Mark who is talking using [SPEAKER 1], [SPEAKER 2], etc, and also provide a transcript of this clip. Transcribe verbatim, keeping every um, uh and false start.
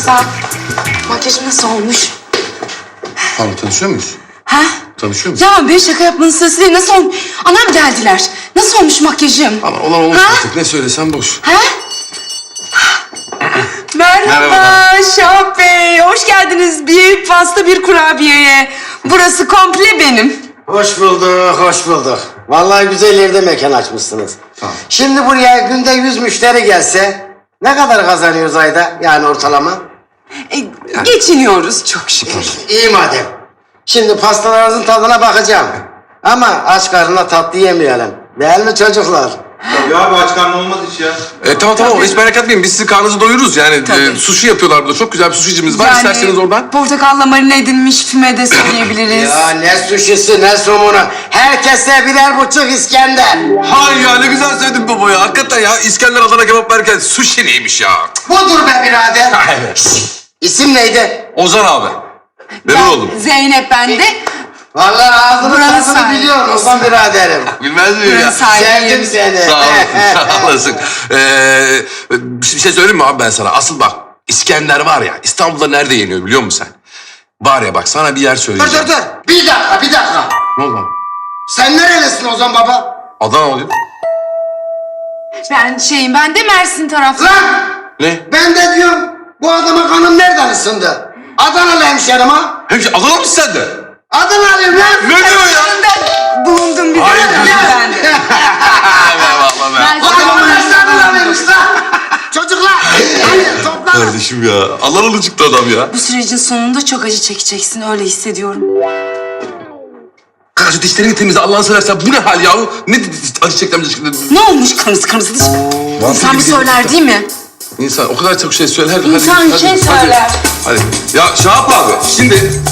[SPEAKER 1] Sağ ol. Makyajım nasıl olmuş?
[SPEAKER 2] Pardon, tanışıyor muyuz?
[SPEAKER 1] Ha?
[SPEAKER 2] Tanışıyor muyuz?
[SPEAKER 1] Ya be şaka yapmanın sırası değil. Nasıl olmuş? Anam geldiler. Nasıl olmuş makyajım?
[SPEAKER 2] Ama olan olmuş
[SPEAKER 1] Ha?
[SPEAKER 2] artık. Ne söylesem boş.
[SPEAKER 1] Ha? Merhaba,
[SPEAKER 2] Merhaba.
[SPEAKER 1] Şahap Bey. Hoş geldiniz bir pasta bir kurabiyeye. Burası komple benim.
[SPEAKER 3] Hoş bulduk, hoş bulduk. Vallahi güzel yerde mekan açmışsınız.
[SPEAKER 2] Tamam.
[SPEAKER 3] Şimdi buraya günde yüz müşteri gelse ne kadar kazanıyoruz ayda yani ortalama?
[SPEAKER 1] E, Geçiniyoruz çok şükür.
[SPEAKER 3] İyi madem. Şimdi pastalarınızın tadına bakacağım. Ama aç karnına tatlı yemeyelim. Değil mi çocuklar?
[SPEAKER 4] Tabii abi aç karnı olmaz hiç ya.
[SPEAKER 2] E, tamam tamam, hiç merak etmeyin. Biz sizin karnınızı doyururuz yani.
[SPEAKER 1] Tabii.
[SPEAKER 2] E, sushi yapıyorlar burada. Çok güzel bir sushi'cimiz var. İsterseniz oradan.
[SPEAKER 1] Portakalla marine edilmiş füme de söyleyebiliriz.
[SPEAKER 3] Ya ne suşisi ne somunu. Herkese birer buçuk İskender.
[SPEAKER 2] Hay ya, ne güzel söyledin baba ya. Hakikaten ya, İskender Adana kebap verken sushi neymiş ya?
[SPEAKER 3] Budur be birader.
[SPEAKER 2] Evet.
[SPEAKER 3] Şşt, İsim neydi?
[SPEAKER 2] Ozan abi. Memnun oldum.
[SPEAKER 1] Zeynep ben de.
[SPEAKER 3] Vallahi ağzını
[SPEAKER 1] Buranın
[SPEAKER 3] tadını
[SPEAKER 1] sahibi.
[SPEAKER 3] biliyorum Osman biraderim.
[SPEAKER 2] Bilmez miyim ya?
[SPEAKER 1] Buranın sahibi.
[SPEAKER 3] Sevdim seni.
[SPEAKER 2] Sağ olasın, sağ olasın. Ee, bir şey söyleyeyim mi abi ben sana? Asıl bak, İskender var ya, İstanbul'da nerede yeniyor biliyor musun sen? Var ya bak, sana bir yer
[SPEAKER 3] Dur
[SPEAKER 2] söyleyeceğim.
[SPEAKER 3] dur dur. Bir dakika bir dakika.
[SPEAKER 2] Ne oldu?
[SPEAKER 3] Sen nerelisin Ozan baba?
[SPEAKER 2] Adana oluyor.
[SPEAKER 1] Ben şeyim ben de Mersin taraflı.
[SPEAKER 3] Lan!
[SPEAKER 2] Ne?
[SPEAKER 3] Ben de diyorum bu adama kanım nereden ısındı? Adanalı hemşerim ha?
[SPEAKER 2] Hemşire Adana mısın sen de?
[SPEAKER 3] Adanalıyım lan!
[SPEAKER 2] Ne diyor ya?
[SPEAKER 1] Ben bulundum bir de.
[SPEAKER 2] Hayır,
[SPEAKER 1] Ben de.
[SPEAKER 2] Eyvallah be.
[SPEAKER 1] Ben
[SPEAKER 3] Adamın
[SPEAKER 1] sana-
[SPEAKER 3] hepsi Adanalıymış lan! Çocuklar! Hadi toplanın!
[SPEAKER 2] Kardeşim ya, Adanalı çıktı adam ya.
[SPEAKER 1] Bu sürecin sonunda çok acı çekeceksin öyle hissediyorum.
[SPEAKER 2] Kanka şu dişlerini temizle Allah'ını seversen, bu ne hal yahu? Ne acı çektim acı çektim.
[SPEAKER 1] Ne olmuş kırmızı kırmızı diş? İnsan bir
[SPEAKER 2] gibi
[SPEAKER 1] söyler değil mi?
[SPEAKER 2] İnsan o kadar çok şey söyler.
[SPEAKER 1] İnsan
[SPEAKER 2] hadi,
[SPEAKER 1] şey
[SPEAKER 2] hadi,
[SPEAKER 1] söyler.
[SPEAKER 2] Hadi. hadi. Ya Şahap abi, şimdi